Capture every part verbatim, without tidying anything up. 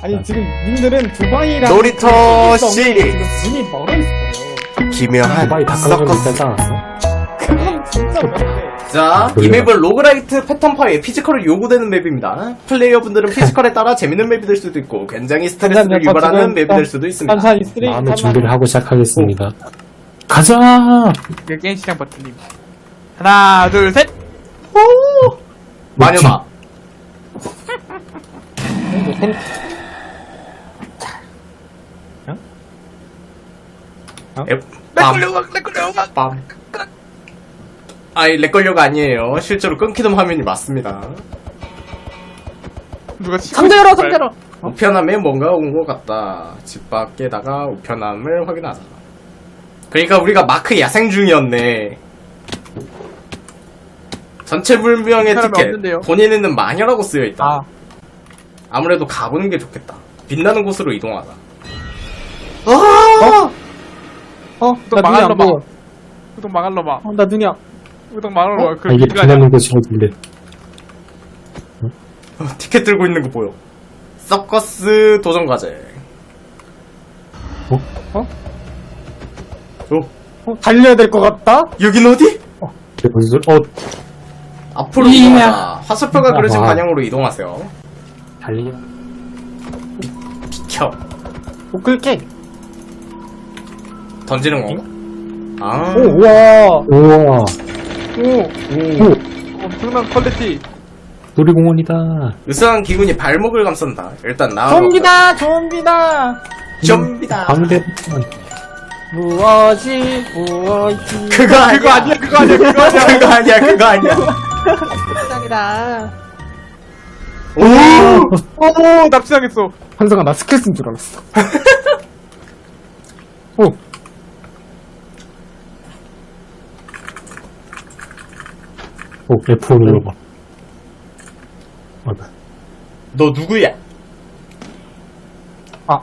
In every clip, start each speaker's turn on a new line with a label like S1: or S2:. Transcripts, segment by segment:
S1: 아니 지금 님들은 두바이랑
S2: 놀이터 시리
S1: 지금 눈이 멀어 있어요.
S2: 기묘한
S3: 두바이 닭강정도 있지 않았어?
S1: 그건 진짜 멀대.
S2: 자, 이 맵은 로그라이트 패턴파의 피지컬을 요구되는 맵입니다. 플레이어분들은 피지컬에 따라 재밌는 맵이 될 수도 있고 굉장히 스트레스를
S1: 잠깐만요,
S2: 유발하는
S1: 지금
S2: 맵이 될 수도 있습니다.
S1: 산산이 쓰레기
S3: 마음의
S1: 산만-
S3: 준비를 하고 시작하겠습니다. 가자!
S4: 그 게임 시장 버튼님. 하나, 둘, 셋!
S2: 마녀다. 에, 빰.
S4: 렉걸려가, 렉걸려가!
S2: 빰. 아이, 렉걸려가 아니에요. 실제로 끊기는 화면이 맞습니다.
S4: 누가 치고
S1: 상대로
S4: 있을까요?
S1: 상대로.
S2: 우편함에 뭔가 온 것 같다. 집 밖에다가 우편함을 확인하자. 그러니까 우리가 마크 야생 중이었네. 전체 불명의
S4: 사람이
S2: 티켓.
S4: 없는데요.
S2: 본인에는 마녀라고 쓰여있다.
S4: 아,
S2: 아무래도 가보는 게 좋겠다. 빛나는 곳으로 이동하자. 아!
S1: 어,
S4: 또
S1: 나 눈이
S4: 망할
S1: 안
S4: 놈아.
S1: 보여.
S4: 우동 망할 놈아.
S1: 어, 나 눈이 안.
S4: 우동 망할 놈아. 그
S3: 아, 이게
S4: 길가 아니야.
S3: 빛나는 곳이 어딘데?
S2: 어, 티켓 들고 있는 거 보여. 서커스 도전 과제.
S3: 어?
S1: 어?
S2: 어?
S1: 어, 달려야 될 것 같다.
S2: 여긴 어디?
S3: 이게 무슨 소리? 어,
S2: 앞으로
S1: 이야.
S2: 이동하자. 화살표가 그려진
S3: 아하.
S2: 방향으로 이동하세요.
S3: 달리냐?
S2: 비켜.
S1: 못 끌게.
S2: 던지는 건가? 아.
S1: 오, 우와.
S3: 우와,
S4: 오,
S3: 오,
S4: 엄청난 퀄리티.
S3: 놀이공원이다.
S2: 으스한 기운이 발목을 감싼다. 일단 나가.
S1: 좀비다, 좀비다.
S2: 좀비다.
S3: 방대,
S1: 무엇이, 무엇이.
S2: 그거 아니야.
S4: 그거 아니야, 그거 아니야, 그거 아니야.
S2: 그거 아니야. 그거 아니야.
S1: 짱이다.
S2: 오!
S4: 오, 납치당했어.
S1: 한성아, 나 스킬 쓴 줄 알았어. 오.
S3: 오, 에프 오 눌러봐. 맞아.
S2: 너 누구야?
S1: 아.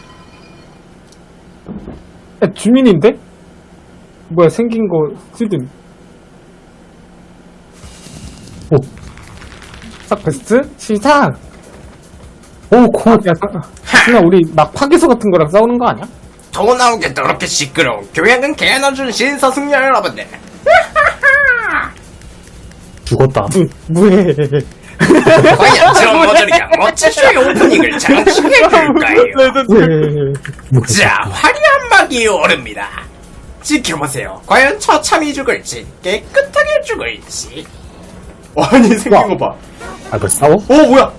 S1: 야, 주민인데? 뭐야, 생긴 거, 쓰든.
S3: 오,
S1: 싹 베스트? 시작!
S3: 오, 코.
S1: 야, 승아, 우리 막 파괴소 같은 거랑 싸우는 거 아니야?
S2: 더 나온 게 더럽게 시끄러운 교양은 개나 준 신사숙녀 여러분들.
S3: 죽었다.
S1: 무, 무해.
S2: 과연 드럼머들이야 멋진 쇼의 오프닝을 장식해줄까요?
S1: 무해.
S2: 자, 화려한 막이 오릅니다. 지켜보세요. 과연 처참히 죽을지 깨끗하게 죽을지. 아니 생긴 거 봐.
S3: 아, 뭐 싸워?
S2: 오 뭐야?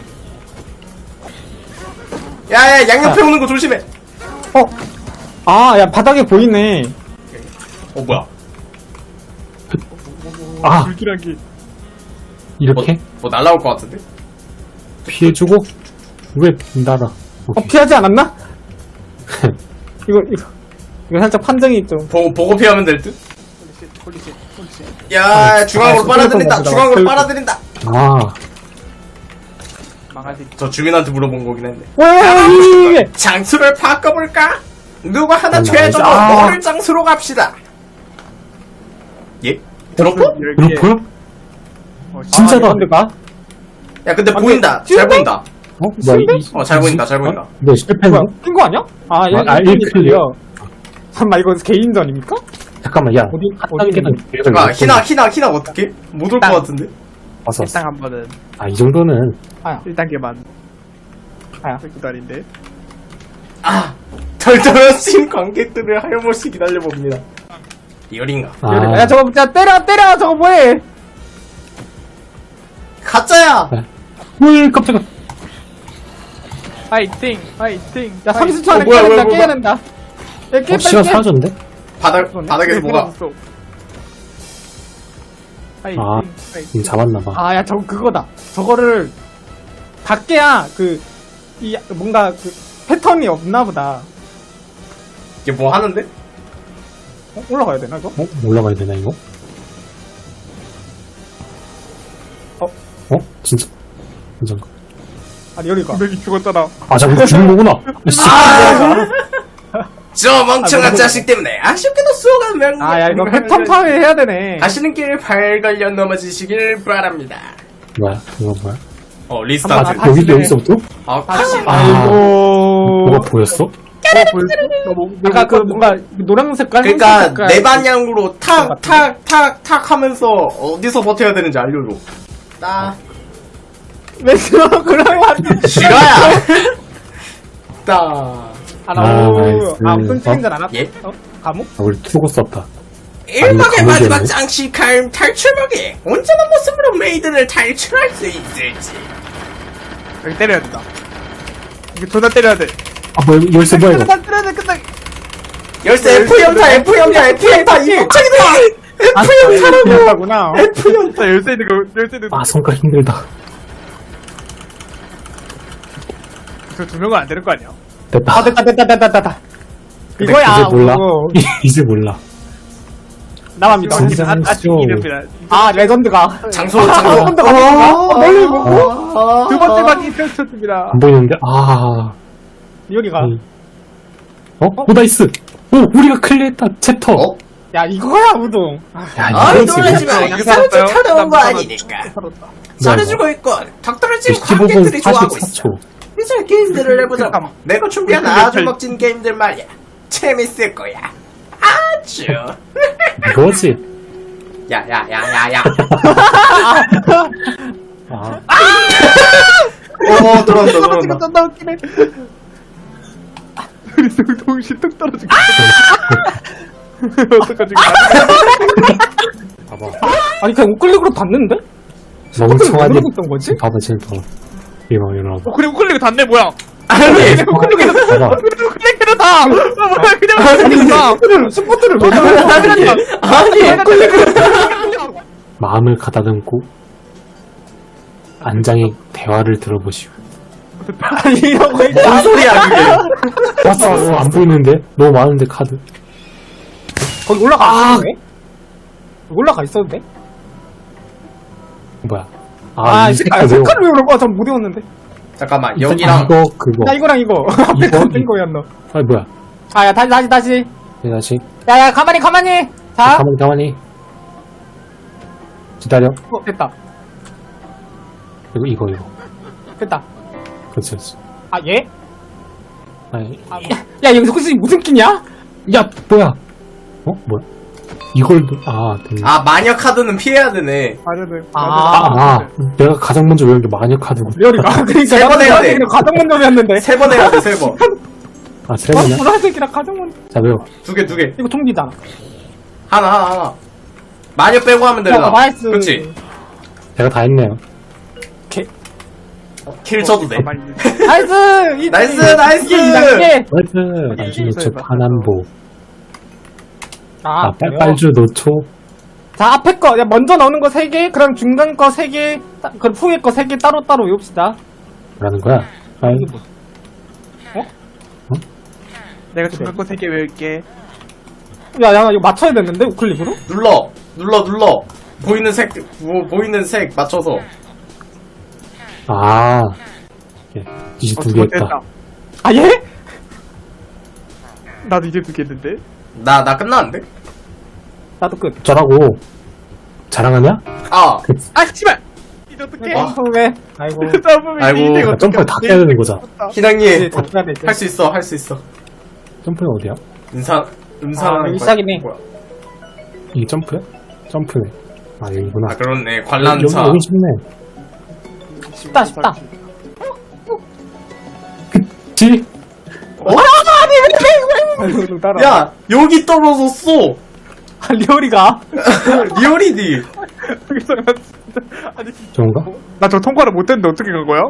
S2: 야야 양옆에 오는 거 조심해.
S1: 어? 아, 야, 바닥에 보이네.
S2: 어 뭐야?
S3: 아,
S4: 불길하기.
S3: 이렇게?
S2: 뭐, 뭐 날라올 것 같은데?
S3: 피해주고? 왜 날아?
S1: 어, 피하지 않았나? 이거, 이거. 이거 살짝 판정이 좀.
S2: 보고 보고 피하면 될 듯?
S4: 홀리쉣, 홀리쉣, 홀리쉣.
S2: 야 중앙으로
S1: 아,
S2: 빨아들인다.
S1: 스크래퍼
S2: 중앙으로
S1: 먹으다가
S2: 빨아들인다.
S3: 아,
S4: 망하지.
S2: 저 주민한테 물어본 거긴 했네.
S1: 와, 이게.
S2: 장소를 바꿔볼까? 누구 하나
S3: 아,
S2: 최저로
S3: 아.
S2: 모를 장소로 갑시다. 예? 드롭?
S4: 여기에.
S3: 그렇고요?
S4: 어,
S3: 진짜다.
S1: 아, 근데 가?
S2: 야 근데
S1: 안
S2: 보인다.
S1: 돼.
S2: 잘 보인다.
S3: 어? 뭐야, 이,
S2: 어 잘 보인다. 잘 보인다.
S3: 네, 실패했네?
S1: 뭐야, 낀거 아니야? 아, 얘,
S3: 아, 일 클리어.
S1: 잠깐만, 이거 개인전입니까?
S3: 잠깐만, 야.
S1: 어디,
S3: 한
S1: 어디
S3: 단계는 계속
S2: 아
S3: 이렇게
S2: 희나 희나 희나 어떻게? 못 올 것
S4: 땅.
S2: 같은데?
S3: 왔어, 왔어.
S4: 일단 한 번은
S3: 아, 이 정도는.
S1: 아야,
S4: 일 단계만.
S1: 아야.
S4: 기다린데.
S2: 아 덜덜하신 관객들을 하염없이 기다려봅니다. 리얼인가?
S3: 아,
S1: 야, 저거, 야, 때려, 때려! 저거 뭐해!
S2: 가짜야!
S3: 물, 깜짝아.
S4: 파이팅, 파이팅.
S1: 야, 삼십 초
S2: 어,
S1: 안에
S2: 뭐야,
S1: 깨야
S2: 뭐야,
S1: 된다,
S2: 뭐야.
S1: 깨야 된다. 야, 깨,
S3: 어, 시간
S1: 빨리 깨!
S3: 사라졌는데?
S2: 바닥, 바닥에서 뭐가
S4: 파이팅,
S3: 아,
S4: 파이팅.
S3: 음, 잡았나봐.
S1: 아, 야, 저거 그거다. 저거를 다 깨야, 그, 이, 뭔가, 그, 패턴이 없나 보다.
S2: 이게 뭐 하는데?
S1: 어? 올라가야 되나, 이거?
S3: 어? 올라가야 되나, 이거?
S1: 어?
S3: 어? 진짜? 진짜.
S1: 아니, 여기가.
S4: 분명히 죽었잖아.
S3: 아, 잠깐 죽는 거구나. 씨.
S2: 저 멍청한
S1: 아, 뭐,
S2: 자식 때문에 아쉽게도 수호가 명.
S1: 아, 야, 이거 패턴 파괴해야 되네.
S2: 가시는 길 발걸려 넘어지시길 바랍니다.
S3: 뭐야? 이거 뭐야?
S2: 어,
S3: 아,
S2: 리스타트.
S1: 다-
S3: 여기,
S1: 다시네.
S3: 여기서부터?
S2: 아, 다시.
S3: 아,
S4: 아이고.
S3: 뭐가 보였어?
S1: 아까 그 뭔가 노란색 깔
S2: 그러니까 내 방향으로 탁, 탁, 탁, 탁 하면서 어디서 버텨야 되는지 알려줘. 딱.
S1: 왜 싫어? 그러면
S2: 싫어야. 딱.
S1: 하나
S3: 아,
S1: 오.
S3: 나이스.
S1: 아 무슨 책인지 알아?
S2: 예?
S1: 어? 감옥?
S3: 아, 우리 투고 썼다.
S2: 일막의
S3: 아니,
S2: 마지막
S3: 감옥이었네.
S2: 장식할 탈출막에 온전한 모습으로 메이드를 탈출할 수 있을지.
S4: 여기 때려야 된다. 이거 존나 때려야 돼.
S3: 아, 뭐, 열쇠 뭐야, 이거?
S1: 끝나 때려야 돼 끝나.
S2: 열쇠 F 연타, F 연타, F 연타, 이 폭탄이다! F 연타라고!
S1: 연타구나.
S2: F 연타!
S4: 자, 열쇠 있는 거, 열쇠 있는 거.
S3: 아, 손가락 힘들다.
S4: 저두 명은 안 되는 거 아니야?
S3: 됐다.
S1: 아 됐다 됐다 됐다 됐다.
S3: 근데
S1: 이거야.
S3: 이제 몰라.
S1: 어,
S3: 이제 몰라.
S1: 나만 믿어.
S3: 진짜.
S4: 아, 아직
S3: 쇼.
S4: 이름이라.
S1: 아 레전드가.
S2: 장소,
S1: 아,
S2: 장소.
S1: 레전드가 아닌가? 멀리 보고
S2: 아,
S4: 두 번째 방이 펼쳤습니다.
S3: 안 보이는데? 아.
S1: 리오리가.
S3: 음. 어? 오, 나이스! 오, 우리가 클리어했다, 챕터!
S2: 어?
S1: 야 이거야 우동. 아,
S3: 야,
S2: 아이,
S3: 이거지.
S2: 놀라지 마.
S4: 이거
S2: 이사를
S4: 살았어요?
S2: 쫓아내온 거
S4: 나
S2: 아니니까.
S4: 살았다.
S2: 잘해주고 있고, 덕분에 지금
S3: 십오 분
S2: 관객들이 좋아하고
S3: 사십사
S2: 있어.
S3: 초.
S2: 이제 게임들을 해보자.
S4: 잠깐만.
S2: 내가 준비한
S4: 우리
S2: 아주
S4: 그
S2: 멋진 게임들 말이야. 재밌을 거야. 아주.
S3: 이거지?
S2: 야, 야, 야, 야, 야.
S3: 아.
S2: 어, 들어온다,
S1: 이거
S2: 들어온다.
S1: 존나 웃기네.
S4: 우리 동- 동시에 뚝 떨어지고. 어떡하지?
S3: 봐봐.
S1: 아니 그냥 우클릭으로 닿는데?
S3: 멍청한
S1: 왜
S3: 일.
S1: 그러고 있던 거지?
S3: 봐봐, 지금 봐봐. 이거, 일어나봐.
S4: 어, 그리고 클릭 닿네, 뭐야?
S2: 아니,
S3: 봐봐.
S4: 그리고 클릭해도 다! 어, 뭐야, 그냥 클릭해도 다!
S1: 스포트를 스포트를 왜 넣어?
S2: 아니,
S3: 마음을 가다듬고, 안장의 대화를 들어보시오.
S1: 아니 이러고
S2: 뭔
S1: 있다.
S2: 소리야, 그게.
S3: 왔어, 왔어. 안 보이는데? 너무 많은데, 카드.
S1: 거기 올라가 있었네? 올라가 있었는데?
S3: 뭐야.
S1: 아,
S3: 이
S1: 이 색깔,
S3: 색깔
S1: 색깔을 왜 그런 거야? 전못 외웠는데.
S2: 잠깐만,
S3: 이
S2: 여기랑.
S3: 이거, 그거.
S1: 나 이거랑 이거. 앞에
S3: 이거,
S1: 같은
S3: 이-
S1: 거였노.
S3: 아, 뭐야.
S1: 아, 야, 다시, 다시, 다시.
S3: 네, 다시.
S1: 야, 야, 가만히, 가만히. 자.
S3: 가만히, 가만히. 기다려.
S1: 어, 됐다.
S3: 이거, 이거, 이거.
S1: 됐다.
S3: 그렇지, 그렇지.
S1: 아, 얘?
S3: 아니,
S1: 아, 야, 여기서 혹시 무슨 끼냐?
S3: 야, 뭐야? 어? 뭐야? 이걸, 아, 됐네.
S2: 아, 마녀 카드는 피해야 되네.
S4: 맞아, 네.
S1: 아.
S3: 아, 아, 내가 가장 먼저 외운 게 마녀 카드고.
S1: 리얼이가. 그러니까.
S2: 세번 해야 돼.
S1: 가정 문점이었는데.
S2: 세 번 해야 돼, 세 번.
S3: 아, 세
S1: 어?
S3: 번이야?
S1: 보라색이랑 가정 문.
S3: 자, 외워.
S2: 두 개, 두 개.
S1: 이거 총기잖아.
S2: 하나, 하나, 하나. 마녀 빼고 하면 되나?
S1: 어, 나이스.
S2: 그치?
S3: 제가 다 했네요.
S2: 킬 쳐도 돼.
S4: 가만히
S1: 나이스! 이-
S2: 나이스,
S1: 이게
S2: 나이스!
S1: 이게 이단계.
S3: 나이스! 나중에 저 파남보.
S1: 아,
S3: 아, 빨,
S1: 그래요?
S3: 빨주 노초.
S1: 자, 앞에 거, 야, 먼저 나오는 거 세 개, 그럼 중간 거 세 개, 따- 그럼 후에 거 세 개 따로따로 외웁시다.
S3: 라는 거야. 아,
S1: 이게 뭐,
S4: 내가 중간 거 세 개 외울게.
S1: 야, 야, 이거 맞춰야 됐는데, 우클릭으로?
S2: 눌러, 눌러, 눌러. 보이는 색, 뭐, 보이는 색 맞춰서.
S3: 아. 예, 이제
S4: 어,
S3: 두
S4: 두
S3: 개
S4: 번째
S3: 했다.
S4: 했다.
S1: 아, 얘?
S4: 나도 이제 두 개 했는데?
S2: 나, 나 끝났는데?
S1: 나도 끝.
S3: 저라고. 자랑하냐?
S2: 아,
S4: 아, 씨발! 이제 어떡해?
S2: 와.
S1: 처음에. 아이고.
S4: 점프면
S2: 아이고.
S4: 이제 이거
S3: 아, 점프를 다
S4: 어떡해?
S3: 깨야 되는 거잖아.
S1: 이제
S2: 희랑님.
S1: 다 해야 되지.
S2: 할 수 있어, 할 수 있어.
S3: 점프는 어디야?
S2: 음상, 음상.
S1: 아, 여기 시작이네.
S2: 뭐야?
S3: 이게 점프야? 점프네. 아, 여기구나.
S2: 아, 그렇네.
S3: 여기,
S2: 관람차.
S3: 여기 쉽네.
S1: 쉽다, 쉽다.
S3: 지?
S1: 아이고, 따라.
S2: 야, 여기 떨어졌어.
S1: 아, 리얼이가.
S2: 리얼이디.
S4: 여기서 나 진짜. 아니,
S3: 좋은가?
S4: 나 저 통과를 못했는데 어떻게 간 거야?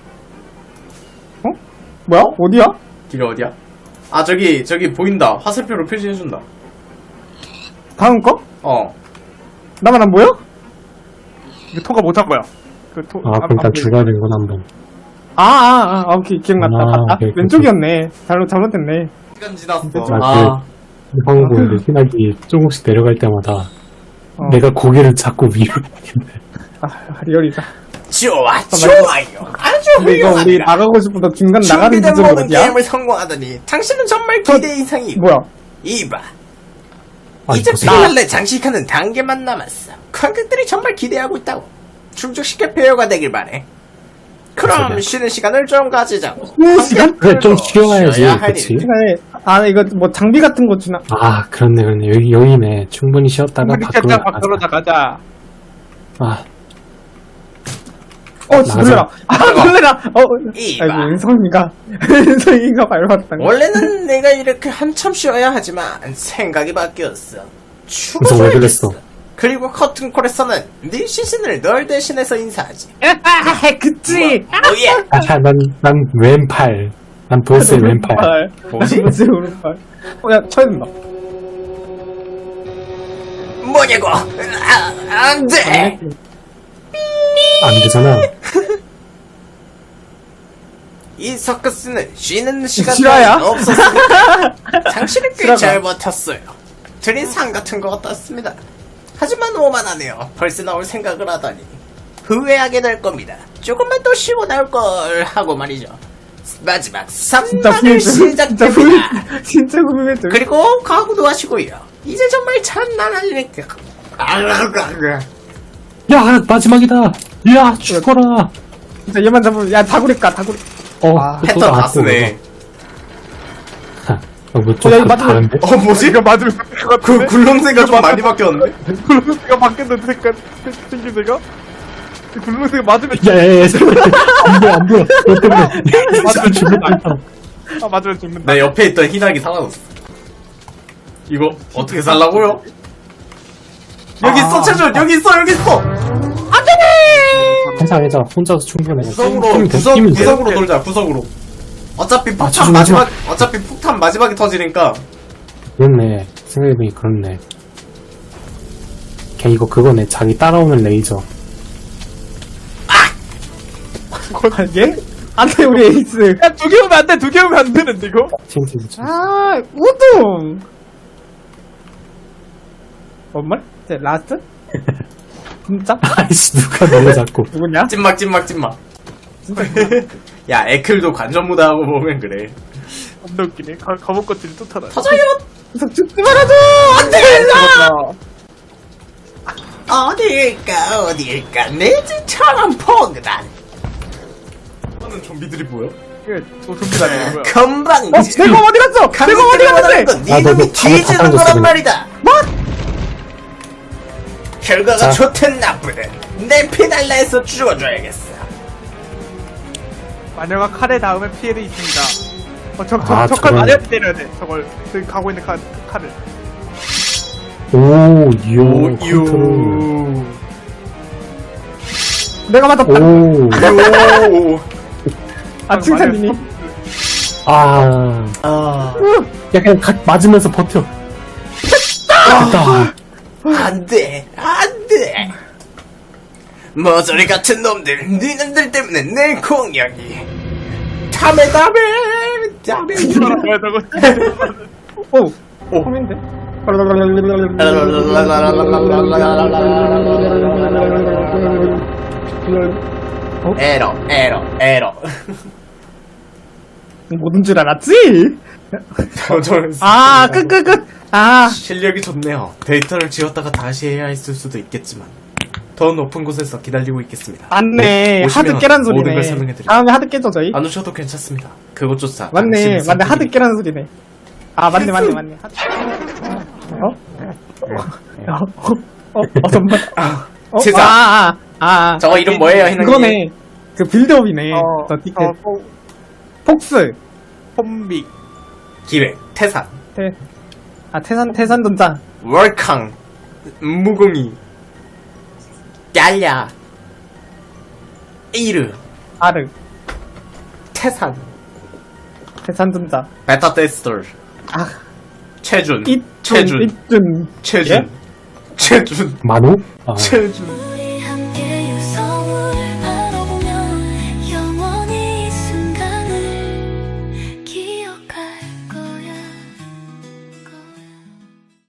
S1: 뭐야? 어디야?
S2: 길이 어디야? 아, 저기, 저기 보인다. 화살표로 표시해준다.
S1: 다음 거?
S2: 어.
S1: 나만 안 보여?
S4: 이거 통과 못한 거야. 그 토,
S3: 아, 그럼 일단 줄여야 되는 건 한 번.
S1: 아, 아, 아, 오케이. 기억났다.
S3: 아,
S1: 봤다.
S3: 오케이, 오케이.
S1: 왼쪽이었네. 잘못, 잘못했네.
S2: 시간 지났어.
S3: 아, 황보는데 희나기 조금씩 내려갈 때마다
S1: 어.
S3: 내가 고개를 자꾸 위로.
S1: 아, 리얼이다.
S2: 좋아, 좋아요. 아주
S1: 근데 이거 우리
S2: 훌륭합니다.
S1: 나가고 싶어도 중간 나가는
S2: 준비된
S1: 지점이
S2: 모든
S1: 어디야?
S2: 게임을 성공하다니 당신은 정말 기대 이상이고.
S1: 뭐야?
S2: 이봐,
S3: 아니,
S2: 이제
S3: 무슨-
S2: 피날레 장식하는 단계만 남았어. 관객들이 정말 기대하고 있다고. 충족시켜 배우가 되길 바래. 그럼
S3: 소리야?
S2: 쉬는 시간을 좀 가지자고.
S1: 시간?
S3: 그래, 좀 쉬어야지,
S2: 쉬어야 할
S3: 그치?
S2: 일.
S1: 시간에, 아, 이거 뭐 장비 같은 거 주나?
S3: 아, 그렇네, 그렇네. 여기, 여기네. 충분히 쉬었다가
S4: 우리
S3: 밖으로
S4: 겠다
S3: 나가자.
S4: 밖으로 나가자.
S3: 아,
S1: 어,
S3: 나가자.
S1: 놀래라. 아, 놀래라. 어,
S2: 이봐.
S1: 아이고, 은성이가, 은성이가 밟았다.
S2: 원래는 내가 이렇게 한참 쉬어야 하지만 생각이 바뀌었어.
S3: 무슨 왜 그랬어?
S2: 죽어줘야겠어. 그리고 커튼콜에서는 네 시신을 널 대신해서 인사하지.
S1: 아, 그치.
S2: 뭐야?
S3: 아, 난, 난 왼팔. 난 보스의 왼팔.
S2: 뭐지?
S1: 뭐지, 오른팔. 어, 야, 쳐야 된다.
S2: 뭐냐고? 아, 안 돼!
S3: 안 되잖아.
S2: 이 서커스는 쉬는 시간
S1: 실화야?
S2: 따윈 없었으니까 당신은 꽤
S1: 실화가.
S2: 잘 버텼어요. 드린 상 같은 것 같았습니다. 하지만 오만하네요. 벌써 나올 생각을 하다니 후회하게 될 겁니다. 조금만 더 쉬고 나올 걸 하고 말이죠. 마지막
S1: 진짜
S2: 삼
S1: 후회돼.
S2: 박을
S1: 진짜
S2: 시작됩니다.
S1: 후회, 진짜 후회돼.
S2: 그리고 각오도 하시고요. 이제 정말 장난아니니까.
S3: 야, 마지막이다. 야, 죽어라.
S1: 진짜 얘만 잡으면, 야, 다구리 까, 다구리.
S3: 어,
S1: 아,
S3: 또
S2: 패턴 다
S3: 나왔어,
S2: 쓰네.
S3: 이거. 어, 뭐 좀
S1: 어, 야, 이거
S3: 다른데?
S2: 어 뭐지?
S4: 이거 맞으면 될것
S2: 그
S4: 같은데?
S2: 굴렁쇠가 좀 많이 바뀌었는데?
S4: 굴렁쇠가 바뀌었는데 색깔 생긴 새가? 이 굴렁쇠가 맞으면
S3: 야, 야, 야, 잠깐만. 안 보여, 안 보여. 너 때문에.
S4: 맞으면
S3: 죽을
S4: 죽는다.
S3: 뻔했다.
S4: 아 맞으면 죽는다.
S2: 내 옆에 있던 희낙이 사라졌어. 이거 어떻게 살라고요? 여기 있어, 최준! 여기 있어, 여기 있어!
S3: 괜찮아, 괜찮아. 혼자서 충분해.
S2: 구석으로,
S3: 힘 돼,
S2: 구석,
S3: 힘이 돼.
S2: 구석으로 돌자, 구석으로. 어차피 폭탄
S3: 최준,
S2: 마지막, 어차피 폭탄 마지막에 터지니까.
S3: 그렇네. 생각해보니 그렇네. 걔 이거 그거네. 자기 따라오는 레이저.
S1: 얘? 안 돼, 우리 에이스.
S4: 야두 개 오면 안 돼. 두 개 오면 안 되는데 이거?
S3: 칭칭, 칭칭.
S1: 아, 우동. 뭔 말? 이제 라스트? 진짜?
S3: 아이씨, 누가 너무 자꾸.
S1: 누구냐?
S2: 찐막, 찐막, 찐막. 야, 에클도 관전 무다하고 보면 그래.
S4: 겁나 웃기네. 가, 감옥 것들이 또 타다.
S2: 터져요!
S1: 계속 죽지 말아줘! 안 돼!
S2: 어딜까, 어딜까, 내 집처럼 포근한. 하는 좀비들이 보여?
S4: 이게 조준비가 되는 거야.
S2: 금방,
S1: 어, 내가 어디 갔어? 내가 어디 갔는데?
S2: 건
S3: 아,
S2: 네
S3: 너,
S2: 놈이
S3: 너 잘못
S2: 뒤지는
S3: 바꿔줬어,
S2: 거란
S3: 그냥.
S2: 말이다.
S1: 뭐?
S2: 결과가
S3: 자.
S2: 좋든 나쁘든 내 피날라에서 죽어줘야겠어.
S4: 마녀가 칼에 닿으면 피해도 있습니다. 어, 저, 저,
S3: 아,
S4: 저칼
S3: 저건-
S4: 마녀한테 때려야 돼. 저걸 저기 가고 있는 칼, 칼을.
S3: 오, 이요. 컨트롤.
S1: 내가 맞았다.
S3: 오.
S2: 요.
S1: 아, 칭찬이니?
S3: 아.
S2: 아,
S3: 야, 그냥 가, 맞으면서 버텨. 됐다.
S2: 안 돼, 안 돼. 머저리 같은 놈들, 니놈들 때문에 내 공격이. 다메, 다메, 다메.
S4: 뭐야 저거?
S1: 오,
S2: 오.
S1: 홈인데?
S2: 에러, 에러, 에러.
S1: 뭐든 줄 알았지?
S2: 저는
S1: 아, 끝, 끝, 끝. 아,
S2: 실력이 좋네요. 데이터를 지웠다가 다시 해야 했을 수도 있겠지만 더 높은 곳에서 기다리고 있겠습니다.
S1: 맞네.
S2: 오시면
S1: 하드 깨란
S2: 모든
S1: 소리네.
S2: 걸 설명해드릴게요.
S1: 다음에 하드 깨죠, 저희?
S2: 안 오셔도 괜찮습니다. 그것조차
S1: 맞네,
S2: 당신의
S1: 맞네. 하드
S2: 선택입니다.
S1: 깨란 소리네. 아, 맞네, 맞네, 맞네. 하드... 어? 어? 어? 어, 정말? 어?
S2: 제자.
S1: 아, 아, 아.
S2: 저거 이름 뭐예요, 희낭님?
S1: 그거네. 그 빌드업이네.
S4: 어,
S1: 저 티켓.
S4: 어, 어,
S1: 폭스.
S4: 홈빅.
S2: 기획, 태산,
S1: 태, 아, 태산, 태산전자.
S2: 월캉, 무궁이, 얄야, 이르,
S1: 아르.
S2: 태산,
S1: 태산전자.
S2: 베타 테스터,
S1: 아,
S2: 최준,
S1: 이준,
S2: 최준,
S1: 이준.
S2: 최준,
S1: 예?
S2: 최준,
S3: 만호? 아.
S2: 최준.